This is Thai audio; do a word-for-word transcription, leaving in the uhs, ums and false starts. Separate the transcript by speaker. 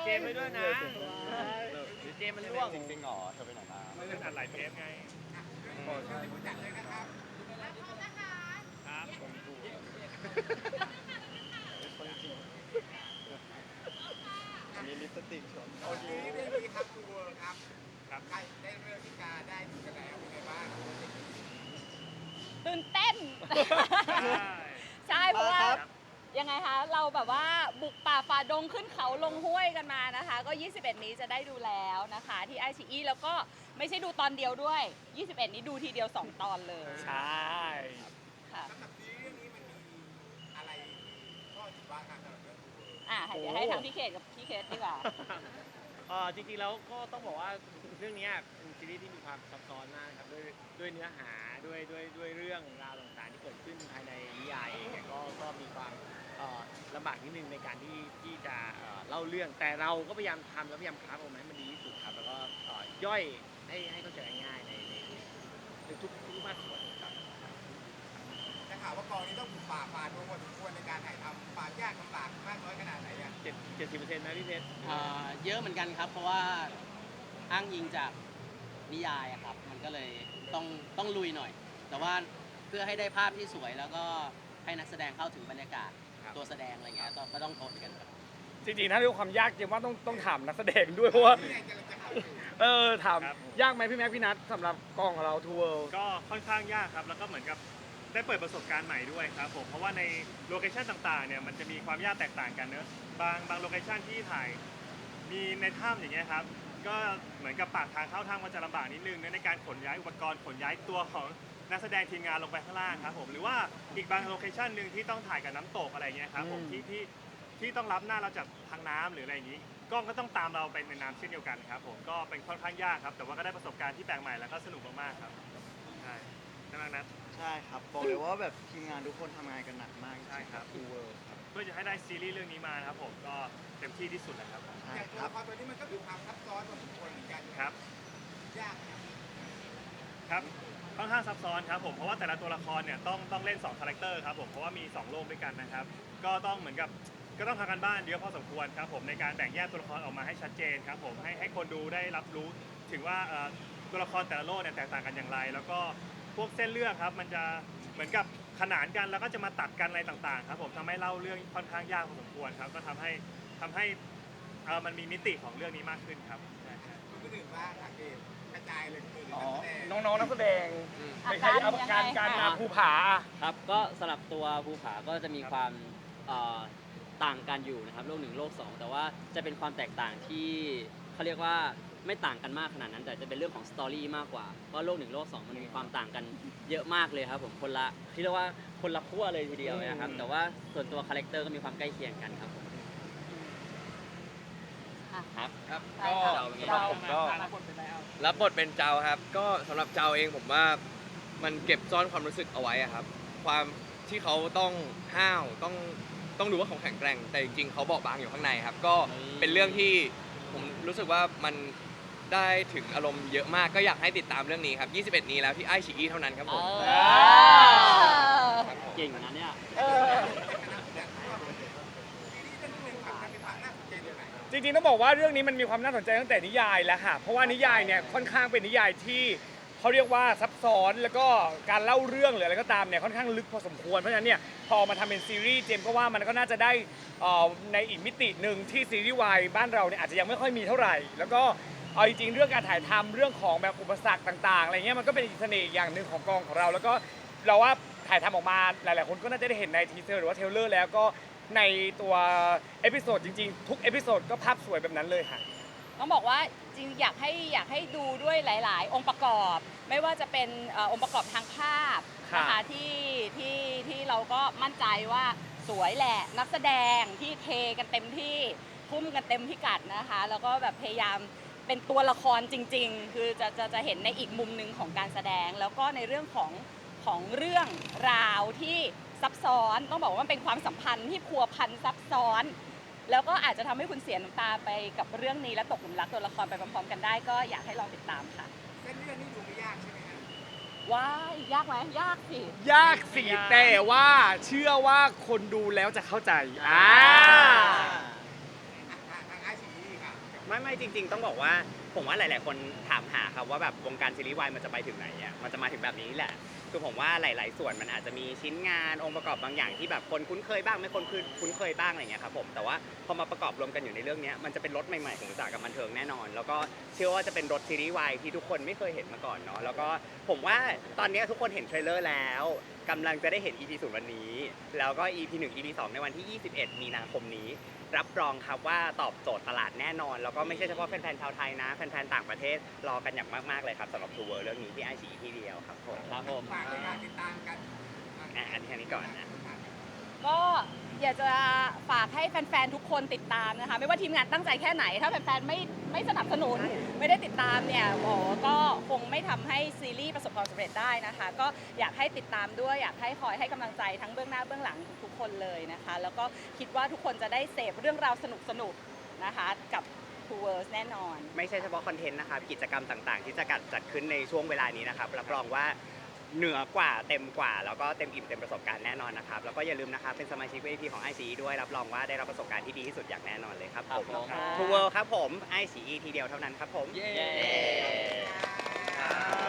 Speaker 1: เจมไปด้วยนะหรือเจมมันร่วง
Speaker 2: จริงๆหรอเธอไปไหนมา
Speaker 3: ไม่ได้อัดหลายเทปไง
Speaker 4: ผู้จัดเลยนะครับ
Speaker 3: ครับ
Speaker 2: คนดูคนจริงมีลิปสติกชม
Speaker 4: โอเคเรื่องนี้ครับทูเวิร์ครับครับใครได้เรื่องที่กาได้ดูกันแล้วเป็นไงบ้าง
Speaker 5: ตื่นเต้น
Speaker 3: ใช่
Speaker 5: ใช่เพราะว่ายังไงคะเราแบบว่าบุกป่าฝ่าดงขึ้นเขาลงห้วยกันมานะคะ ก็ยี่สิบเอ็ดนี้จะได้ดูแล้วนะคะที่ไอซีอีแล้วก็ไม่ใช่ดูตอนเดียวด้วยยี่สิบเอ็ดนี้ดูทีเดียวสองตอนเลย
Speaker 3: ใช่
Speaker 5: ค่ะ
Speaker 4: สำหรับซีรีส์เรื่องนี้มันมีอะไรข้อผิดพลาดครับสำหรับเรื่องทูเวิร์
Speaker 5: อ่ะเดี๋ยวให้ทางพี่เขตกับพี่เคสดีกว่า
Speaker 1: เออจริงๆแล้วก็ต้องบอกว่าเรื่องนี้เป็นซีรีส์ที่มีความซับซ้อนมากครับด้วยด้วยเนื้อหาด้วยด้วยด้วยเรื่องราวต่างๆที่เกิดขึ้นภายในนิยายเองเนี่ยก็ก็มีความเอ่อลำบากนิดนึงในการที่ที่จะเอ่อเล่าเรื่องแต่เราก็พยายามทำแล้วพยายามคราฟออกมาให้มันดีที่สุดครับแล้วก็เอ่อย่อยให้ให้เข้าใจง่ายๆในในในทุกทุกภาคส่วนครับ
Speaker 4: จะข่าวว่ากองนี้ต้องบุกป่าฝ่าดงพอสมควรในการถ่ายทำป่ายากลำบากมากน้อยขนาดไหนอ่ะ
Speaker 1: เจ็ดเจ็ดสิบเปอร์เซ็นต์นะพี่เพชร
Speaker 6: อ่าเยอะเหมือนกันครับ เพราะว่าอ้างอิงจากนิยายอะครับ มันก็เลยต้องต้องลุยหน่อย แต่ว่าเพื่อให้ได้ภาพที่สวยแล้วก็ให้นักแสดงเข้าถึงบรรยากาศตัวแสดงอะไรเงี้ยก็ก็ต้องทนกันครับ
Speaker 7: จริงๆถ้าเรื่องความยากจริงว่าต้องต้องถามนักแสดงด้วยเพราะว่า
Speaker 4: นี่ไงกำลังจะเข้าสู่
Speaker 7: เออถามยากไหมพี่แม็กพี่นัทสำหรับกองของเราทัวร์
Speaker 3: ก็ค่อนข้างยากครับแล้วก็เหมือนกับได้เปิดประสบการณ์ใหม่ด้วยครับผมเพราะว่าในโลเคชั่นต่างๆเนี่ยมันจะมีความยากแตกต่างกันเนอะบางบางโลเคชั่นที่ถ่ายมีในถ้ำอย่างเงี้ยครับก็เหมือนกับปากทางเข้าถ้ำมันจะลำบากนิดนึงในการขนย้ายอุปกรณ์ขนย้ายตัวของนักแสดงทีมงานลงไปข้างล่างครับผมหรือว่าอีกบางโลเคชั่นหนึ่งที่ต้องถ่ายกับน้ำตกอะไรเงี้ยครับผมที่ที่ที่ต้องรับหน้าเราจากทางน้ำหรืออะไรอย่างนี้กล้องก็ต้องตามเราไปในน้ำเช่นเดียวกันครับผมก็เป็นค่อนข้างยากครับแต่ว่าก็ได้ประสบการณ์ที่แปลกใหม่แล้วก็สนุกมากๆครับใช่ใช่ไหมนัท
Speaker 2: ใช่ครับบอกเลยว่าแบบทีมงานทุกคนทำงานกันหนักมาก
Speaker 3: ใช่ครับ
Speaker 2: ทูเวิร์ครับ
Speaker 3: เพื่อจะให้ได้ซีรีส์เรื่องนี้มานะครับผมก็เต็มที่ที่สุดแล้วครับ
Speaker 2: ใช่
Speaker 4: อย่างตัว
Speaker 2: ครั
Speaker 4: ละ
Speaker 2: บ
Speaker 4: ครตัวนี้มันก็มีความซับซ้อนพอสมควรเหมือนกัน
Speaker 3: ครับ
Speaker 4: ยากนะ
Speaker 3: ครับค่อนข้างซับซ้อนครับผมเพราะว่าแต่ละตัวละครเนี่ยต้องต้องเล่นสองคาแรคเตอร์ครับผมเพราะว่ามีสองโลกด้วยกันนะครับก็ต้องเหมือนกับก็ต้องทำกันบ้านเยอะพอสมควรครับผมในการแบ่งแยกตัวละครออกมาให้ชัดเจนครับผมให้ให้คนดูได้รับรู้ถึงว่าเอ่อตัวละครแต่ละโลกเนี่ยแตกต่างกันอย่างไร แล้วก็พวกเส้นเรื่องครับมันจะเหมือนกับขนานกันแล้วก็จะมาตัดกันอะไรต่างๆครับผมทำให้เล่าเรื่องค่อนข้างยากพอสมควรครับก็ทำให้ทำให้เอ่อมันมีมิติของเรื่องนี้มากขึ้นครับใช่ครับ
Speaker 4: คุณก็ถึงว่าอาเกตกระจายเลยคือ
Speaker 7: อ๋อ
Speaker 4: นักแสดง
Speaker 7: น้องๆนักแสดง
Speaker 5: อา
Speaker 7: ไม่
Speaker 5: กา
Speaker 7: ใช่
Speaker 5: ร
Speaker 7: เอา
Speaker 5: ยังไง
Speaker 7: การการ
Speaker 5: คะ
Speaker 7: มาภูผา
Speaker 6: ครับก็สำหรับตัวภูผาก็จะมีความเอ่อต่างกันอยู่นะครับโลกหนึ่งโลกสองแต่ว่าจะเป็นความแตกต่างที่เขาเรียกว่าไม่ต่างกันมากขนาดนั้น แต่จะเป็นเรื่องของสตอรี่มากกว่าเพราะโลกหนึ่งโลกสองมันมีความต่างกันเยอะมากเลยครับผมคนละที่เรียกว่าคนละขั้วเลยทีเดียวนะครับแต่ว่าส่วนตัวคาแรคเตอร์ก็มีความใกล้เคียงกันครับผม
Speaker 5: อ่ะ
Speaker 8: ครับ
Speaker 5: ใช่
Speaker 8: ก็
Speaker 5: ค่ะ
Speaker 8: สำหรับผมก็รับบทเป็นเจ้าครับ ก็สำหรับเจ้าเองผมว่ามันเก็บซ่อนความรู้สึกเอาไว้อะครับ ความที่เขาต้องห้าวต้องต้องดูว่าเขาแข็งแกร่ง แต่จริงๆเขาเบาบางอยู่ข้างในครับ ก็เป็นเรื่องที่ผมรู้สึกว่ามันได้ถึงอารมณ์เยอะมากก็อยากให้ติดตามเรื่องนี้ครับยี่สิบเอ็ดนี้แล้วที่ไอชีอีเท่านั้นครับผม
Speaker 5: เออ
Speaker 6: เก่งนะเนี่ย
Speaker 5: เออ
Speaker 7: จริงๆต้องบอกว่าเรื่องนี้มันมีความน่าสนใจตั้งแต่นิยายแล้วค่ะเพราะว่านิยายเนี่ยค่อนข้างเป็นนิยายที่เขาเรียกว่าซับซ้อนแล้วก็การเล่าเรื่องหรืออะไรก็ตามเนี่ยค่อนข้างลึกพอสมควรเพราะฉะนั้นเนี่ยพอมาทำเป็นซีรีส์เจมส์ก็ว่ามันก็น่าจะได้เอ่อในอีกมิติหนึ่งที่ซีรีส์วายบ้านเราเนี่ยอาจจะยังไม่ค่อยมีเท่าไหร่ แล้วก็เอาจริงๆเรื่องการถ่ายทำเรื่องของแบบอุปสรรคต่างๆอะไรเงี้ยมันก็เป็นอีกเสน่ห์อย่างหนึ่งของกองของเราแล้วก็เราว่าถ่ายทำออกมาหลายๆคนก็น่าจะได้เห็นในทีเซอร์หรือว่าเทรลเลอร์แล้วก็ในตัวเอพิโซดจริงๆทุกเอพิโซดก็ภาพสวยแบบนั้นเลยค่ะ
Speaker 5: ต้องบอกว่าจริงอยากให้อยากให้ดูด้วยหลาย ๆ องค์ประกอบ ไม่ว่าจะเป็นเอ่อองค์ประกอบทางภาพนะคะที่ที่ที่เราก็มั่นใจว่าสวยแหละนักแสดงที่เทกันเต็มที่พุ่มกันเต็มพิกัดนะคะแล้วก็แบบพยายามเป็นตัวละครจริง ๆ คือจะจะจะเห็นในอีกมุมหนึ่งของการแสดง แล้วก็ในเรื่องของของเรื่องราวที่ซับซ้อนต้องบอกว่ามันเป็นความสัมพันธ์ที่พัวพันซับซ้อน แล้วก็อาจจะทำให้คุณเสียน้ำตาไปกับเรื่องนี้และตกหลุมรักตัวละครไปพร้อมๆกันได้ก็อยากให้ลองติดตามค่ะ
Speaker 4: เส้นเรื่องนี้ดูไม่ยากใช่ไหมครับ
Speaker 5: ว้ายยากไหมยากสิ
Speaker 7: ยากสิแต่ว่าเชื่อว่าคนดูแล้วจะเข้าใจอ่า
Speaker 4: ทางไอซีค
Speaker 9: ไม่ไม่จริง ๆ ต้องบอกว่าผมว่าหลาย ๆ คนถามหาครับว่าแบบวงการซีรีส์วายมันจะไปถึงไหนอ่ะมันจะมาถึงแบบนี้แหละคือผมว่าหลาย ๆ ส่วนมันอาจจะมีชิ้นงานองค์ประกอบบางอย่างที่แบบคนคุ้นเคยบ้างไม่คนคุ้นเคยบ้างอะไรเงี้ยครับผมแต่ว่าพอมาประกอบรวมกันอยู่ในเรื่องนี้มันจะเป็นรสใหม่ ๆ ของอุตสาหกรรมบันเทิงแน่นอน แล้วก็เชื่อว่าจะเป็นรสซีรีส์วายที่ทุกคนไม่เคยเห็นมาก่อนเนาะแล้วก็ผมว่าตอนนี้ทุกคนเห็นเทรลเลอร์แล้วกำลังจะได้เห็น อี พี ศูนย์วันนี้แล้วก็ อี พี หนึ่ง อี พี สองในวันที่ยี่สิบเอ็ดมีนาคมนี้รับรองครับว่าตอบโจทย์ตลาดแน่นอนแล้วก็ไม่ใช่เฉพาะแฟนๆชาวไทยนะแฟนๆต่างประเทศรอกันอย่างมากๆเลยครับสำหรับทัวร์เรื่องนี้ที่ไอซีทีเดียวครับผม
Speaker 6: ครับผม
Speaker 4: ฝากในการติดตามกัน
Speaker 9: อ่ะอันนี้อันนี้ก่อนนะ
Speaker 5: ก็อยากจะฝากให้แฟนๆ ทุกคนติดตามนะคะ ไม่ว่าทีมงานตั้งใจแค่ไหน ถ้าแฟนๆ ไม่ไม่สนับสนุน ไม่ได้ติดตามเนี่ยโอ้ก็คงไม่ทำให้ซีรีส์ประสบความสำเร็จได้นะคะ ก็อยากให้ติดตามด้วย อยากให้คอยให้กำลังใจทั้งเบื้องหน้าเบื้องหลังทุกๆคนเลยนะคะ แล้วก็คิดว่าทุกคนจะได้เสพเรื่องราวสนุกๆ นะคะกับ Two Worlds แน่นอน
Speaker 9: ไม่ใช่เฉพาะคอนเทนต์นะครับกิจกรรมต่างๆ ที่จะจัดจัดขึ้นในช่วงเวลานี้นะครับรับรองว่าเหนือกว่าเต็มกว่าแล้วก็เต็มอิ่มเต็มประสบการณ์แน่นอนนะครับแล้วก็อย่าลืมนะครับเป็นสมาชิก วี ไอ พี ของ ไอ ซี อี ด้วยรับรองว่าได้รับประสบการณ์ที่ดีที่สุดอย่างแน่นอนเลยครับผม
Speaker 6: ครับผม
Speaker 9: ทูเวิลด์ครับผม ไอ ซี อี ทีเดียวเท่านั้นครับผม
Speaker 6: เย้
Speaker 9: เย้